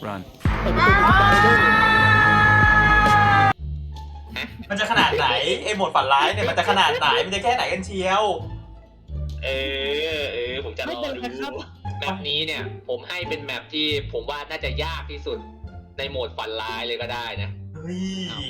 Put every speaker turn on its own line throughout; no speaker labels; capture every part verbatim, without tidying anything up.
Run
เปิดประตูไปด้วย
มันจะขนาดไหนไอ้โหมดฝันร้ายเนี่ยมันจะขนาดไหนมันจะแค่ไหนกันเชียว
เออเออผมจะรอดูแมปนี้เนี่ยผมให้เป็นแมปที่ผมว่าน่าจะยากที่สุดในโหมดฝันร้ายเลยก็ได้นะ
เฮ้ย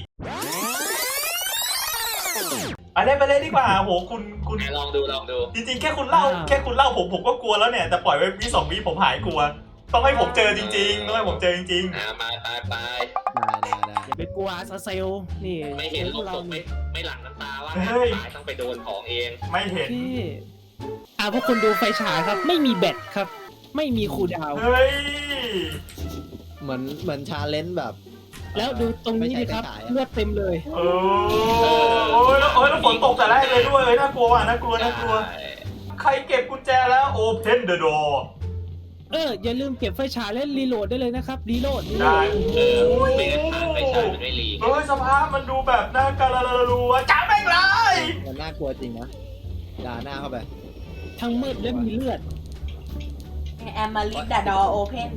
ไปเลยไปเลยดีกว่าโหคุณคุณ
ลองดูลองดู
จริงๆแค่คุณเล่าแค่คุณเล่าผมผมก็กลัวแล้วเนี่ยแต่ปล่อยไว้วิสองวิผมหายกลัวต้องให้ผมเจอจริงๆต้องให้ผมเจอจริง
อ่ามาไปไป
ได้ได้ได้อย่าไปกลัวซาเซลนี่
ไม่เห็น
พ
ลู
ว
ก
กเรา
ศพไม่ไม่หลั่งน้ำตาว่าตายต้องไปโดนของเอง
ๆ ไม่เห็น
ที่อ่าพวกคุณดูไฟฉายครับ ไม่มีแบตครับ ไม่มีคูลดาวน์
เฮ้ย
เหมือนเหมือนชาเลนจ์แบบ
แล้วดูตรงนี้ดิครับ
ไม่ใช่ไฟฉายอะ
เลือดเต็มเลย
เออโอ้ยแล้วโอ้ยแล้วฝนตกแต่แรกเลยด้วยเอ้ยน่ากลัวว่ะน่ากลัวน่ากลัวใครเก็บกุญแจแล้ว Open the door
เอออย่าลืมเก็บไฟฉายและรีโหลดได้เลยนะครับรีโหลดรีโหล
ได้
ด
เออไม่งั้นทางไปใช้มันไม่รี
เฮ้ยสภาพมันดูแบบน่าการะรัวจ้าแม่งเลย
มันน่ากลัวจริงนะด่าหน้าเข้าไป
ทั้งมืดและมีเลือด
แอมมาลิดดาดอโอเพน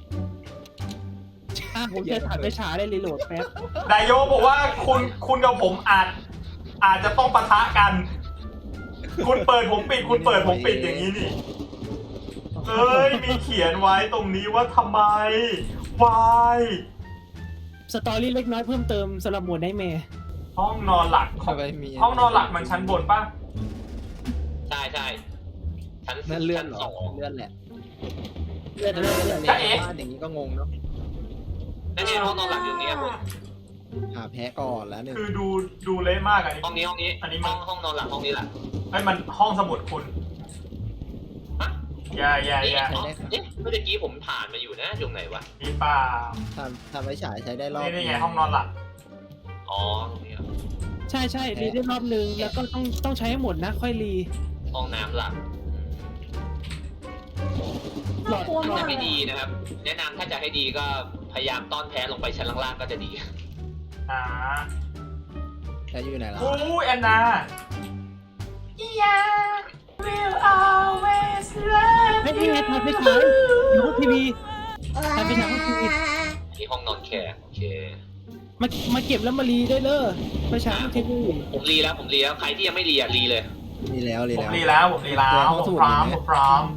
อ่ะผมจะถ่ายไฟฉายและรีโหลดแป๊บ
นายโยบอกว่าคุณคุณกับผมอาจอาจจะต้องปะทะกัน คุณเปิดผมปิดคุณเปิดผมปิดอย่างนี้นี่เอ้ยมีเขียนไว้ตรงนี้ว่าทำไม why
สตอรี่เล็กน้อยเพิ่มเติมสำหรับหมวดไนท์แมร์
ห้องนอนหลักขอ
เข้าง ไปมี
ห้องนอนหลักมันชั้นบนป่ะ
ใช่ใช่ชั้น
นั่นเลื่อนเหร
ส
อ
อง
เลื่อนแหละ
เลือดเลือดเลือด
จ๊ะเอ๋
บ้านอย่างนี้ก็งงเนาะ
นั่นเองห้องนอนหลักอยู่นี่ครับผม
หาแพ้ก่อนแล้วหนึ่ง
คือดูดูเละมากอันนี้
ห้องนี้ห้องนี้
อันนี้
ห้
มั
อน งห้องนอนหลักห้องนี้แหละ
เฮ้ยมันห้องสมุดคุณ
ฮะ
อย่าอย่า
นี่
อย่า
อ๋อเอ๊ะเมื่อกี้ผมผ่านมาอยู่นะอยู่ไหนวะ
มีเปล่า
ทำทำไว้ฉายใช้ได้รอบ
นี่นี่ไงห้องนอนหลัก
อ๋อตรงนี้เหรอ
ใช่ใช่รีได้รอบนึงแล้วก็ต้องต้องใช้ให้หมดนะ ค่อยรี
ห้องน้ำหลัก
หลอดหลอ
ถ้า
ด
ไม่ดีนะครับ แนะนำถ้าจะให้ดีก็พยายามต้อนแพ้ลงไปชั้นล่างๆก็จะดี
อ่า
ใช้อยู่ไหนล่ะ
อู้แอนนา Yeah will always love
ไม่ไม่ไงถ่ายไฟฉายอยู่บนทีวีถ่ายไฟฉายบนทีวี
ที่ห้องนอนแขกโอเค
มามาเก็บแล้วมารีได้เลยไฟฉายบนทีวี
ผมรีแล้วผมรีแล้วใครที่ยังไม่รีอ่ะรีเลย
มีแล้วรี
ผม
แล้ว
รีแล้วผมรีแล้วผมพร้อมผมพร้อม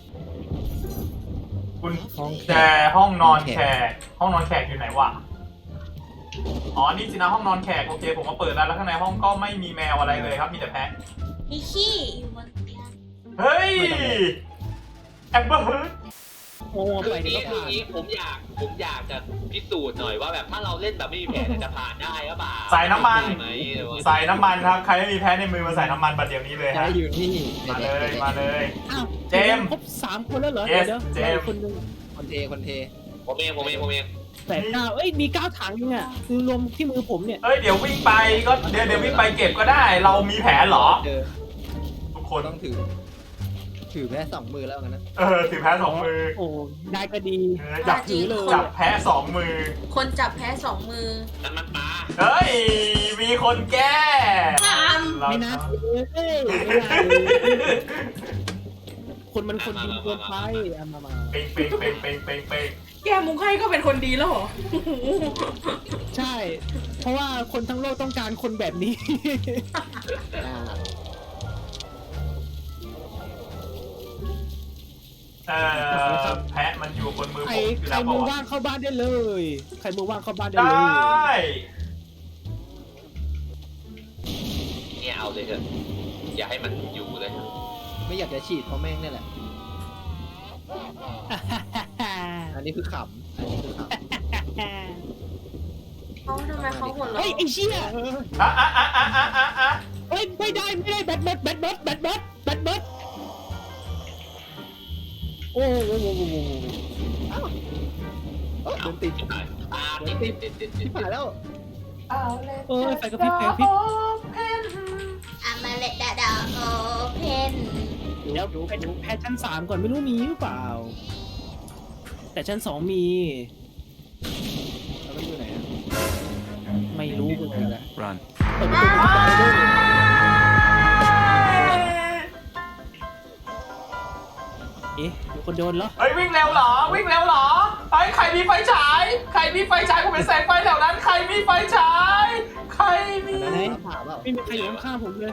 คุณ
ห้องแข
แจ
ก
ห้องนอนแขกห้องนอนแขกอยู่ไหนวะอ๋อนี่สินะห้องนอนแขกโอเคผมมาเปิดแล้วแล้วข้างในห้องก็ไม่มีแมวอะไรเลยครับมีแต่แพะ
มีขี้อยู่บนเตียง
เฮ้ยแอมเบอร์
โอ้
คือ
ไป
นี้
เดี๋ยวก็
คือ
ผ่าน
นี้ผมอยากผมอยากจะพิสูจน์หน่อยว่าแบบถ้าเราเล่นแบบไม่มีแผนจะผ่านได้หรือเปล่า
ใส่น้ำมัน
ได้ไหมหรือว่า
ใส่น้ำมันครับใครไม่มีแพ้ในมือมาใส่น้ำมันบัดเดี๋ยวนี้เลย
ใช้
ฮะ
อยู่นี่
มาเลยมาเลย
อ้าว
เจมส์
ครบสามคนแล้วเหรอ
Yes
เดี๋ยว
เจ
เดี๋ยว
มส์
คนหนึง
คนเทคนเท
ผมเองผมเองผมเอง
แปดเก้าเอ้ยมีเก้าถังอยู่เนี่ยคือรวมที่มือผมเนี่ย
เอ้ยเดี๋ยววิ่งไปก็เดี๋ยวเดี๋ยววิ่งไปเก็บก็ได้ เรามีแผนเหรอ
เจอ
ทุกค
คน นต้องถือ ถือแพ้สองมือแล้วกันนะ
เออถือแพ้สองมือ
โอ้ได้ก็ดี
เออจับ
ถือเลย
จับแพ้สองมือ
คนจับแพ้สองมือ
นั่นมันปลา
เฮ้ยมีคนแก้
ท
เรา
ไม่น่าเลยเอ้ยไม่น่าเลยคนมันคนดีเกินไปเอามามา
เป่งเป่งเป่งเป่งเป่งเป่ง
ำแกมุกให้ก็เป็นคนดีแล้วเหรอ
ใช่ เพราะว่าคนทั้งโลกต้องการคนแบบนี้
อ่า
เออแพะมันอยู่บนมือ
ใค
ผ
ร
มอยู่
ใคร
แล้วบ
มื
อก
อ
ว่า
ว่างเข้าบ้านได้เลย ใครมือว่างเข้าบ้านได้
ได
เลย้
เนี่ยเอาเลยเถอะอย่าให้มันอยู่เลย
ไม่อยากจะฉีดเพราะแม่งนี่แหละ อันนี้คือขำอันนี้คือขำ
เขาทำไมเขาหัวเราะ
เฮ้ยไอ้เชี่ย
อ่ะอ่ะอ่ะอ่ะอ่ะอ่ะอ่ะ
เฮ้ยไม่ได้ไม่ได้แบตเบิร์ดแบตเบิร์ดแบตเบิร์ดแบตเบิร์ดโอ้โหโอ้โหโอ้โห
เอ้าเอ้าเดินติด
อ่าติดติดติดติดติ
ที่
ด
ผ่านแล้ว
เออไฟกระพริบไฟกระพริบ
อามาเลดดาดอโอเพน
เดี๋ยวไปดูแพทชั้นสามก่อนไม่รู้มีหรือเปล่า แต่ชั้นสองมี
แล้วมันอยู่ไหนอะ
ไม่รู้เหมือนกัน
Run
เปิดประตูไปด้วย
เฮ้ย
เปิดประตูไปด้วย
เฮ้ย
เปิดประตูไปด้วย
เฮ้ย
เปิดประตูไปด้วย
เฮ้ย
เปิดประตูไปด้วย
เฮ้ย
เปิดประตูไปด้วย
เฮ้ย
เเอ๊ะมีคนโดนเหรอ
เฮ้ยวิ่งเร็วเหรอวิ่งเร็วเหรอเฮ้ยใครมีไฟฉายใครมีไฟฉายผมเป็นแสงไฟแถวนั้นใครมีไฟฉายใครมี
อันนั้นผ่าเปล่า
ไม่มีใครอยู่ข้างๆผมเลย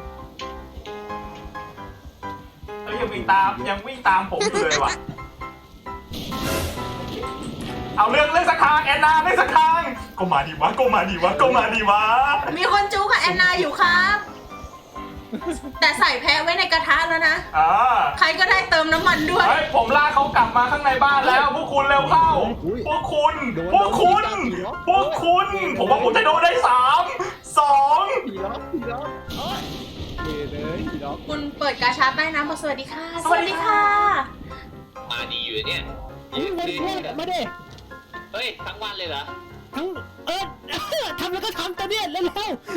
เฮ้ยยังวิ่งตามยังวิ่งตามผมอยู่เลยว่ะเอาเรื่องเรื่องสักทางแอนนาเรื่องสักทางก็มาดีวะก็มาดีวะก็มาดีวะ
มีคนจูกับแอนนาอยู่ครับ แต่ใส่แพะไว้ในกระทะแล้วนะ
อ่า
ใครก็ได้เติมน้ำมันด้วย
เฮ้ยผมลากเขากลับมาข้างในบ้านแล้วพวกคุณเร็วเข้า พวกคุณ พวกคุณ พวกคุณ ผมว่าผมจะโดนได้สามสอง
ผีล็อกผีล็อกเอ้ยเวยเลยผีล็อก
คุณเปิดกาชาใต้น้ำบอกสวัสดีค่ะ สวัสดีค่ะ
มาดีอยู่เนี่ย
เฮ้ยมาดิมาดิ
เฮ้ยทั้งวันเลยเหรอ
ทั้งเออ ทำแล้วก็ทำตัวเนี้ยเร็วๆ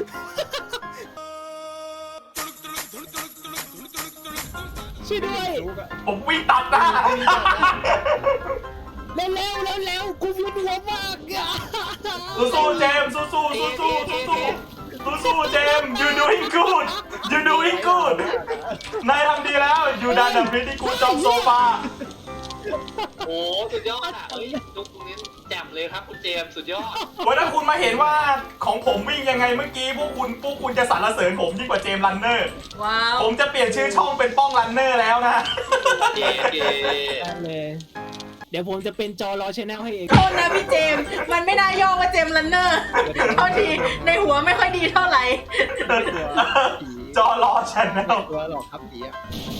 ช่วยด้วย
ลูกอะ
ผมวิ่งตัดหน้า
เร็วๆเร็วๆกูเวียนหัวมากอะ
สู้ๆเจมส์สู้ๆสู้ๆสู้ๆสู้ๆสู้ๆเจมส์ you doing good you doing good นายทำดีแล้ว you done a pretty good job so far
โอ้สุดยอดอ่ะเฮ้ยลูกตรงนี้แจ่มเลยครับคุณเจมส์สุดยอด
วันถ้าคุณมาเห็นว่าของผมวิ่งยังไงเมื่อกี้พวกคุณพวกคุณจะสรรเสริญผมยิ่งกว่าเจมส์รันเนอร์
ว้าว
ผมจะเปลี่ยนชื่อช่องเป็นป้องรันเนอร์แล้วนะ
เก๋เก๋
ได้เลย เดี๋ยวผมจะเป็นจอรอชแนลให้เอง
โทษนะพี่เจมส์มันไม่น่าย่อว่าเจมส์ลันเนอร์เท่าทีในหัวไม่ค่อยดีเท่าไหร่
จอรอชแนล
ตัวหลอกครับผีอะ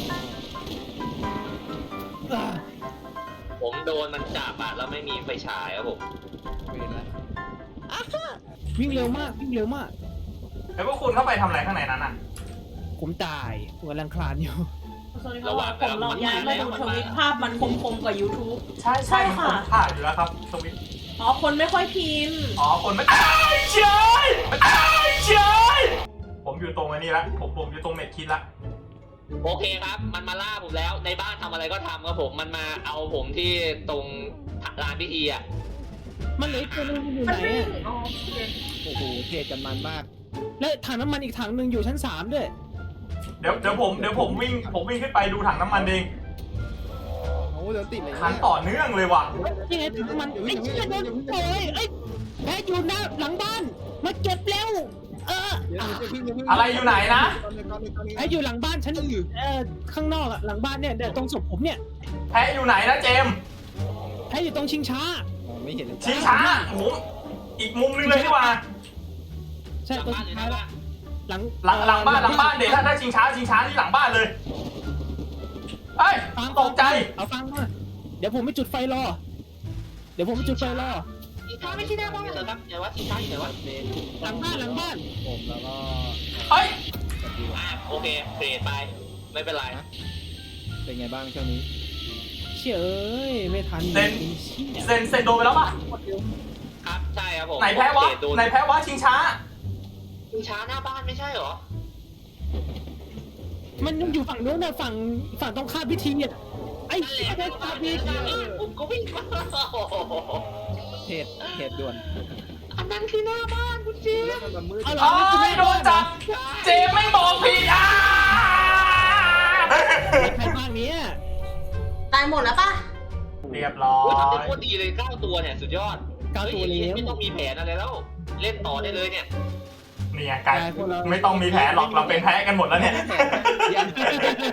ผมโดนมันจับอ่ะแล้วไม่มีไฟฉายครับผม
เวรละ
วิ่งเร็วมากวิ่งเร็วมาก
แล้วพวกคุณเข้าไปทำอะไรข้างในนั้นอ่ะ
ผมตายผมกำลังคลานอยู่
ระหว่าง
ผมลองย้ายมาดูทวิตภาพมันคมๆกว่า YouTube
ใช่
ใช่ค่ะ
ผมถ่ายอยู่แล้วครับสวิตช์
อ๋อ คนไม่ค่อยพิมพ์
อ๋อคนไม่อ้าวเฉยอ้าวเฉยผมอยู่ตรงอันนี้ละผมผมอยู่ตรงเม็ดคิดละ
โอเคครับ มันมาล่าผมแล้วในบ้านทำอะไรก็ทำครับผมมันมาเอาผมที่ตรงลานพิธีอ่ะ
มันเหลืออีกตัวนึงอยู่ไห
มัน นไม่
อะ
อ๋อโอเค
โอ้โหเทกันมันมาก
แล้วถังน้ำมันอีกถังหนึ่งอยู่ชั้นสามด้วย
เดี๋ยวเดี๋ยวผมเดี๋ยวผมวิ่งผมวิ่งขึ้นไปดูถังน้ำมันเอง
โอ้เดี๋ยวติดเลย
คันต่อเนื่องเลยว่ะ
ยังไงถังน้ำมันไอ้เชี่ยโดนโอ้ยไอ้แพ้อยู่หน้าหลังบ้านมาเก็บแล้วเออ
เดี๋ยวเดี๋ยวเพิ่งเดี๋ยวเพิ่ง
อะไรอยู่ไหนนะ
แพ้อยู่หลังบ้านฉันเออข้างนอกอะหลังบ้านเนี่ยเดี๋ยวตรงศพผมเนี่ย
แพ้อยู่ไหนนะเจมส์
แพ้อยู่ตรงชิงช้า
มองไม่เห็นเลย
ชิงช้าผมอีกมุมนึงเลยดีกว่า
ใช่
หลัง
ตรง
บ้าน
ชิ
เล
ง
ย
ช้า
นะ
หลัง
หลังหลังบ้านหลังบ้านเดี๋ยวถ้าถ้าชิงช้าชิงช้าที่หลังบ้านเลยเอ้ย
ฟัง
ตกใจ
เอาฟังมาเดี๋ยวผมไปจุดไฟรอ เดี๋ยวผมไปจุดไฟรอ
ชิงช้าไม่ใช่หน้าบ้านเหรอครับไหนวะชิงช้าอยู่ไหนวะ
เมน
หลังบ้านหลังบ้าน
ผมแล้วก็
เฮ้ย
สกิล
อ่ะโอเคเปลี่ยนไปไม่เป็นไร
เป็นไงบ้างช่วงนี้
เชี่ยเอ้ยไม่ทัน
เซ็น
เชี่ย
เซนเซนโดนไปแล้วป่ะ
ครับใช่ครับผม
ไหนแพ้วะ
เดโดน
ไหนแพ้วะชิงช้า
ชิงช้าหน้าบ้านไม่ใช่เหรอ
มันยังอยู่ฝั่งนู้นนะฝั่งฝั่งตรงข้ามพิธีอ่ะไอ้
นั่นแห
เชี่ย
ละ
ได้ตาดี
ผมก็วิ่งมา
เหตุเหตุด่วน
อันนั้นคือหน้าบ้านคุณเจ
แล้ว
ม
มันมืด
เอาเหร
เอ้ยโดนจับ เจมไม่บอกผิดอ่ะ
ใครบ้างเนี้ย
ตายหมดแล้วปะ
เรียบร้อ
โอ้ยทำได้
ย
โคตรดีเลยเก้าตัวเนี่ยสุดยอด
เก้าตัว
ฮ้ย
แล้
อย่าง
ว
นี้ไม่ต้องมีแผนอะไรแล้ว เล่นต่อได้เลยเนี่ย
เนี่ยกลาย
พวกเรา
ไม่ต้องมีแผลหรอกเราเป็นแพ้กันหมดแล้วเนี่ย
ยัง